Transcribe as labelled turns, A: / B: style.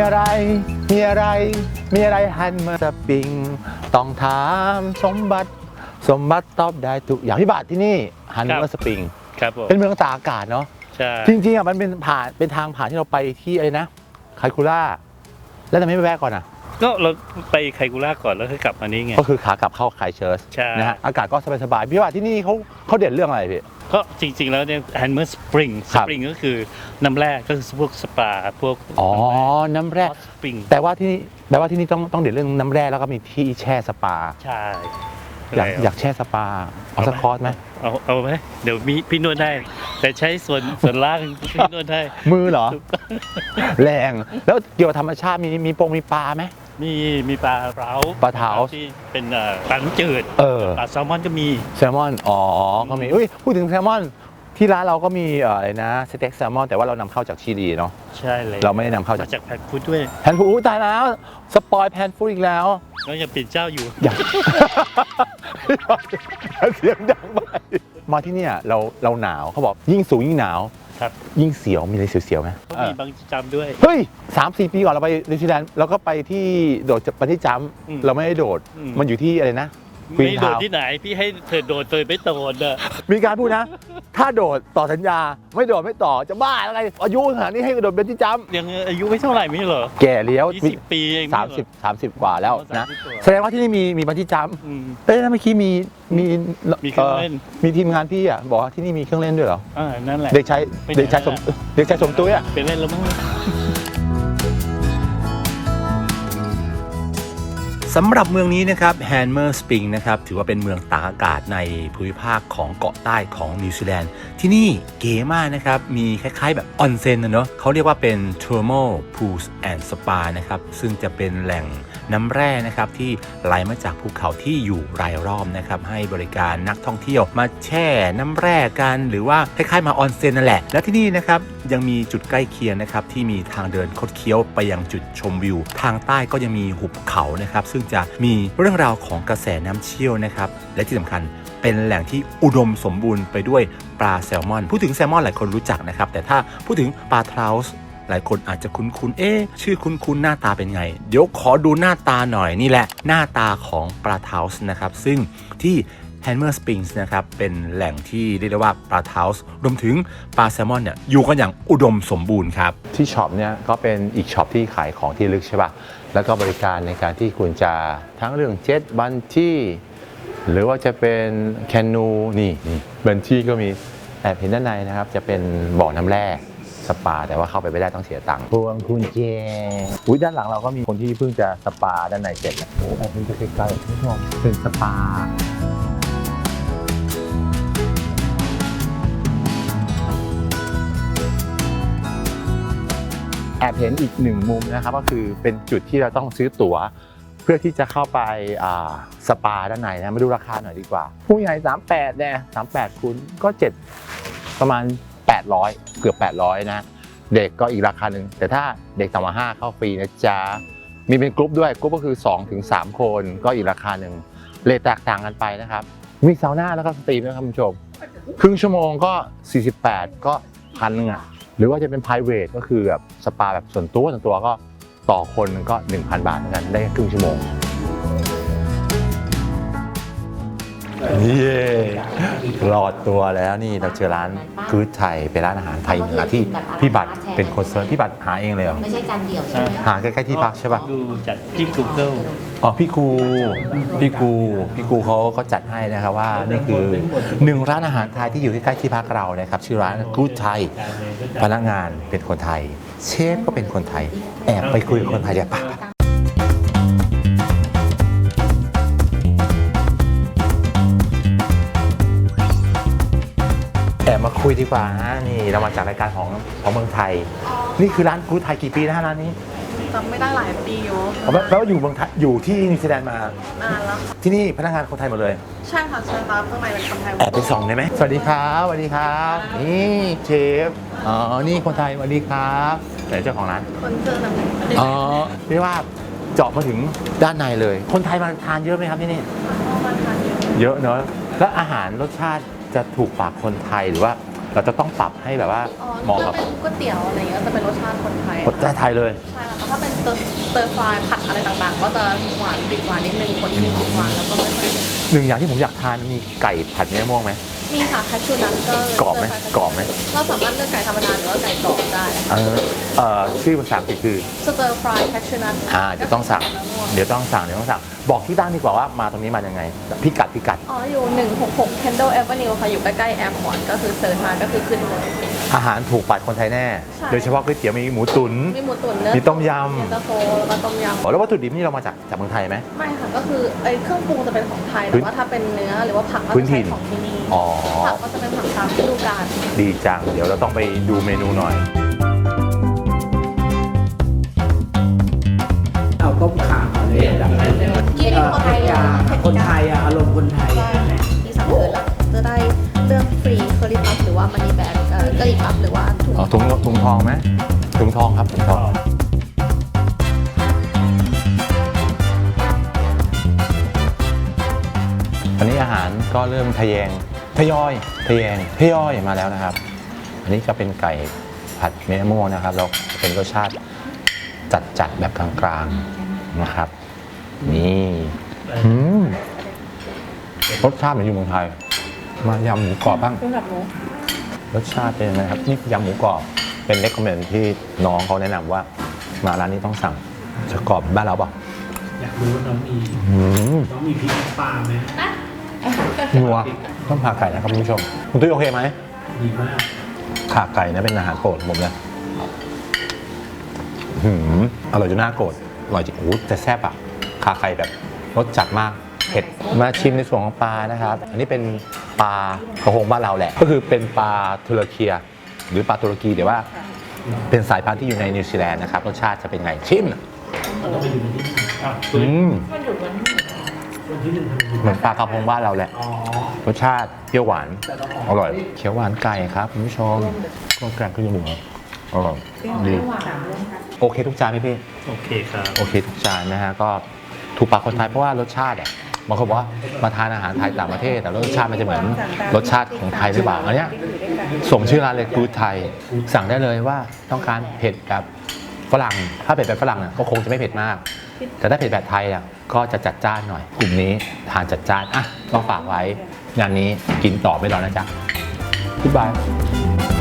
A: อะไรมีอะไรมีอะไรฮันมาสปริงต้องถามสมบัติตอบได้ทุกอย่างพี่บาทที่นี่ฮันมาสปริง
B: ครับผม
A: เป็นเมืองตากอากาศเนาะ
B: ใช่
A: จริงๆอ่ะมันเป็นทางผ่านที่เราไปที่อะไรนะไคคูล่าแล้วทำไมไม่แวะก่อนอ่ะ
B: ก็เราไปไคกูล่าก่อนแล้วค่อยกลับมานี่ไง
A: ก็คือขากลับเข้าไคเชิร์ชนะฮะอากาศก็สบายๆพี่ว่าที่นี่เขาเด่นเรื่องอะไรพี่
B: ก็จริงๆแล้วเนี่ยแฮนเมอร์สปริงก็คือน้ำแร่ก็คือพวกสปาพวก
A: น้ำแร่
B: สปริง
A: แต่ว่าที่นี่ต้องเด่นเรื่องน้ำแร่แล้วก็มีที่แช่สปา
B: ใช่
A: อยากแช่สปาเอาสักคอร์สไหม
B: เอาไหมเดี๋ยวมีพี่นวดได้แต่ใช้ส่วนล่างพี่นวดได้
A: มือเหรอแรงแล้วเกี่ยวกับธรรมชาติมีปลาไหม
B: มีปลาเท้าที่เป็นปลาน้ำจืดปลาแซลมอนก็มี
A: แซลมอนก็มีพูดถึงแซลมอนที่ร้านเราก็มีอะไรนะสเต็กแซลมอนแต่ว่าเรานำเข้าจากชิลีเนาะ
B: ใช่เลย
A: เราไม่ได้นำเข้า
B: จากแพนฟูดด้วย
A: แพนฟูดตายแล้วสปอยแพนฟูดอีกแล้ว
B: เรายังเปลี่ยนเจ้าอยู่
A: อยากเสียงดังไปมาที่เนี่ยเราหนาวเขาบอกยิ่งสูงยิ่งหนาวยิ่งเสียวมีอะไรเสียวๆไหม
B: มีบางจำด้วย
A: เฮ้ย3-4 ปีก่อนเราไปนิวซีแลนด์เราก็ไปที่โดดบันจี้จัมป์เราไม่ได้โดดมันอยู่ที่อะไรนะ
B: ไม่โดดที่ไหนพี่ให้เธอโดดเธอไม่โดดอ่ะ
A: มีการพูดนะถ้าโดดต่อสัญญาไม่โดดไม่ต่อจะบ้าอะไรอายุขนาดนี้ให้โดดบันจี้จัมป์
B: ยังอายุไม่เท่าไหร่ไม่เหรอ
A: แก่เลี้ยว
B: 20 ปีเอง
A: 30กว่าแล้วนะแสดงว่าที่นี่มีบันจี้จัมป์เอ้ยเมื่อกี้มี
B: เครื่องเล่น
A: มีทีมงานพี่อ่ะบอกว่าที่นี่มีเครื่องเล่นด้วยเหรอ
B: นั่นแหละ
A: เด็กชายสมตุ้ยอ่ะ
B: ไปเล่นแล้วมั้ง
C: สำหรับเมืองนี้นะครับแฮนเมอร์สปริงนะครับถือว่าเป็นเมืองตากอากาศในภูมิภาคของเกาะใต้ของนิวซีแลนด์ที่นี่เก๋มากนะครับมีคล้ายๆแบบออนเซ็นนะเนาะเขาเรียกว่าเป็น Thermal Pools and Spa นะครับซึ่งจะเป็นแหล่งน้ำแร่นะครับที่ไหลมาจากภูเขาที่อยู่รายรอบนะครับให้บริการนักท่องเที่ยวมาแช่น้ำแร่กันหรือว่าคล้ายๆมาออนเซ็นนั่นแหละและที่นี่นะครับยังมีจุดใกล้เคียงนะครับที่มีทางเดินคดเคี้ยวไปยังจุดชมวิวทางใต้ก็ยังมีหุบเขานะครับซึ่งจะมีเรื่องราวของกระแสน้ำเชี่ยวนะครับและที่สำคัญเป็นแหล่งที่อุดมสมบูรณ์ไปด้วยปลาแซลมอนพูดถึงแซลมอนหลายคนรู้จักนะครับแต่ถ้าพูดถึงปลาทราสหลายคนอาจจะคุ้นชื่อคุ้นหน้าตาเป็นไงเดี๋ยวขอดูหน้าตาหน่อยนี่แหละหน้าตาของปลาทราสนะครับซึ่งที่แฮนเมอร์สปริงส์นะครับเป็นแหล่งที่เรียกได้ว่าปลาทราสรวมถึงปลาแซลมอนเนี่ยอยู่กันอย่างอุดมสมบูรณ์ครับ
A: ที่ช็อปเนี่ยก็เป็นอีกช็อปที่ขายของที่ลึกใช่ป่ะแล้วก็บริการในการที่คุณจะทั้งเรื่องเจ็ตบันจี้หรือว่าจะเป็นแคนูนี่บันจี้ก็มีแอบเห็นด้านในนะครับจะเป็นบ่อน้ำแร่สปาแต่ว่าเข้าไปไม่ได้ต้องเสียตังค์พวงคุณเจด้านหลังเราก็มีคนที่เพิ่งจะสปาด้านในเสร็จโอ้แอบเพิ่งจะใกล้ๆผู้ชมเป็นสปาแอบเห็นอีกหนึ่งมุมนะครับก็คือเป็นจุดที่เราต้องซื้อตั๋วเพื่อที่จะเข้าไปสปาด้านในนะมาดูราคาหน่อยดีกว่าผู้ใหญ่38เนี่ย38คูณก็7ประมาณ800เกือบ800นะเด็กก็อีกราคาหนึ่งแต่ถ้าเด็กต่ำกว่า5เข้าฟรีนะจ๊ะมีเป็นกรุ๊ปด้วยกรุ๊ปก็คือ 2-3 คนก็อีกราคาหนึ่งเรทแตกต่างกันไปนะครับมีซาวน่าแล้วก็สตรีมนะครับคุณผู้ชมครึ่งชั่วโมงก็48ก็1,000นึงอ่ะหรือว่าจะเป็น private ก็คือแบบสปาแบบส่วนตัวก็ต่อคนก็ 1,000 บาทเหมือนกันได้ครึ่งชั่วโมงนี่รอดตัวแล้วนี่เราเจอร้านกู๊ดไทยเป็นร้านอาหารไทยนะที่พี่บัตรเป็นคนเซิร์ชพี่บัตรหาเองเลยเหรอ
D: ไม่ใช่จานเดียวใช่ไหม
A: หาใกล้ๆที่พักใช่ป่ะ
B: ดูจากที่ Google
A: พี่กูเขาก็จัดให้นะครับว่านี่คือ1ร้านอาหารไทยที่อยู่ใกล้ๆที่พักเรานะครับชื่อร้านกู๊ดไทยพนักงานเป็นคนไทยเชฟก็เป็นคนไทยแอบไปคุยกับคนไทยเดี๋ยวป่ะมาคุยดีกว่านะนี่เรามาจากรายการของเมืองไทยนี่คือร้านกู๊ดไทยกี่ปีนะร้านนี้
D: จำไม่ได้หลายปีอยู่
A: แปลว่าอยู่เมืองไทยอยู่ที่นิวซีแลนด์มาน
D: านแล้ว
A: ที่นี่พนักงานคนไทยหมดเลย
D: ใช่ค่ะใช่ครับข้างในเป็นคนไทย
A: แอบไปส่องได้ไหมสวัสดีครับนี่เชฟนี่คนไทยสวัสดีครับไหนเจ้าของร้าน
D: คนเจอหนัง
A: เรียกว่าเจาะมาถึงด้านในเลยคนไทยมาทานเยอะไหมครับที่นี่
D: มาทาน
A: เยอะเนอะแล้วอาหารรสชาติจะถูกปากคนไทยหรือว่าเราจะต้องปรับให้แบบว่าเหมาะกับ
D: ก๋วยเตี๋ยวอะไรเงี้ยจะเป็นรสชาติคนไทย
A: ไทยเลย
D: ใช่แล้วถ้าเป็นเตอร์ฟรายผัดอะไรต่างๆ ก็จะหวานติดหวานนิดนึงคนที่ติดหวานแล้วก็ไม่ค่อย
A: หนึ่งอย่างที่ผมอยากทานมีไก่ผัดเนื้อม่วงไหม
D: มีค่ะแคชชูนัทก็
A: กรอบไหมกรอบไหม
D: เราสามารถเลือกไก่ธรรมดาหรือว่าไก่กรอบได้
A: ชื่อภาษาอังกฤษคือ
D: สเตอร์ฟรายแคชชูนัท
A: เดี๋ยวต้องสั่ง เดี๋ยวต้องสั่งบอกที่ตั้งดีกว่าว่ามาตรงนี้มายังไงพิกัด
D: อ๋ออยู่166 Kendall Avenue ค่ะอยู่ใกล้ๆแอร์พอร์ตก็คือเซิร์ชมาก็คือขึ้นเลย
A: อาหารถูกปากคนไทยแน่
D: ใช่
A: โดยเฉพาะก๋วยเตี๋ยวมีหมูตุ๋น
D: มีหมูตุ๋นเนื้อ
A: มีต้มยำ
D: เย็นตาโฟแล้วก็ต้มยำ
A: แล้ววัตถุดิบนี่เรามาจากเมืองไทยไหม
D: ไม่ค่ะก็คือไอ้เครื่องปรุงจะเป็นของไทย
A: พื้
D: แต่
A: น
D: ว่าถ้าเป็นเนื้อหรือว่าผักก็
A: พื้
D: จะ
A: นถิ่
D: ใช้
A: น
D: ของที่นี่
A: อ๋อ
D: ผักก็จะเป็นผักตามฤดูกาล
A: ดีจัง เดี๋ยวเราต้องไปดูเมนูหน่อย
E: เอาต้มข่าก่อนเลยอันดับแรก
D: ยี่ห้อคนไทยอ่ะ
E: คนไทยอ่ะอารมณ์คนไทย
D: ที่สั่งเกินแล้วจะได้เลือกฟรีเคอรี่ปั๊บหรือว่ามันนี่แบกกะหรี่ปั๊บหรือว่าถุง
A: เอาถุงทองไหมถุงทองครับถุงทอง อันนี้อาหารก็เริ่มทยอยมาแล้วนะครับ อันนี้จะเป็นไก่ผัดเนื้อม่วงนะครับแล้วเป็นรสชาติจัดแบบกลางๆนะครับ นี่รสชาติเหมือนอยู่เมืองไทย มายำหมูกรอบบ้าง รสชาติเป็นยังไงครับนี่ยำหมูกรอบเป็นเรคคอมเมนต์ที่น้องเขาแนะนำว่ามาร้านนี้ต้องสั่งจะกรอบบ้านเราเปล่า
E: อยากรู้ว่าน้องมีพริกน้ำปลาไหม
A: นัวต้องผ่าไก่นะครับคุณผู้ชมคุณตุ้ยโอเคไหม
E: ดีมาก
A: ขาไก่นะเป็นอาหารโปรดผมเลยอร่อยจนน่าโกรธอร่อยจริงโอ้โหแต่แซ่บอะขาไก่แบบรสจัดมากเผ็ดมาชิมในส่วนของปลานะครับ อันนี้เป็นปลากระพงบ้านเราแหละ ก็คือเป็นปลาตุรเคีย หรือปลาตุรกีแต่ว่า เป็นสายพันธุ์ที่อยู่ในนิวซีแลนด์นะครับรสชาติจะเป็นไงชิม
E: มันต้องไปอยู่ในที่นี่
A: อืม
E: วันที่หนึ่งทำ
A: เหมือนปลากระพงบ้านเราแหละ
E: อ๋อ
A: รสชาติเปรี้ยวหวาน
E: แต่ต้อง
A: อร่อยเขียวหวานไก่ครับคุณผู้ชมก็แกงขึ้นจมูกครับอร่อยดีโอเคทุกจานไหมพี่
B: โอเคครับ
A: โอเคทุกจานนะฮะก็ถูกปากคนไทยเพราะว่ารสชาติอ่ะบางคนบอกว่ามาทานอาหารไทยต่างประเทศแต่รสชาติมันจะเหมือนรสชาติของไทยหรือเปล่าอันเนี้ยส่งชื่อร้านเลยกู๊ดไทยสั่งได้เลยว่าต้องการเผ็ดแบบฝรั่งถ้าเผ็ดแบบฝรั่งก็คงจะไม่เผ็ดมาก แต่ถ้าเผ็ดแบบไทยอ่ะก็จะจัดจ้านหน่อยกลุ่มนี้ทานจัดจ้านอ่ะก็ฝากไว้งานนี้กินต่อไม่รอนะจ๊ะบ๊ายบาย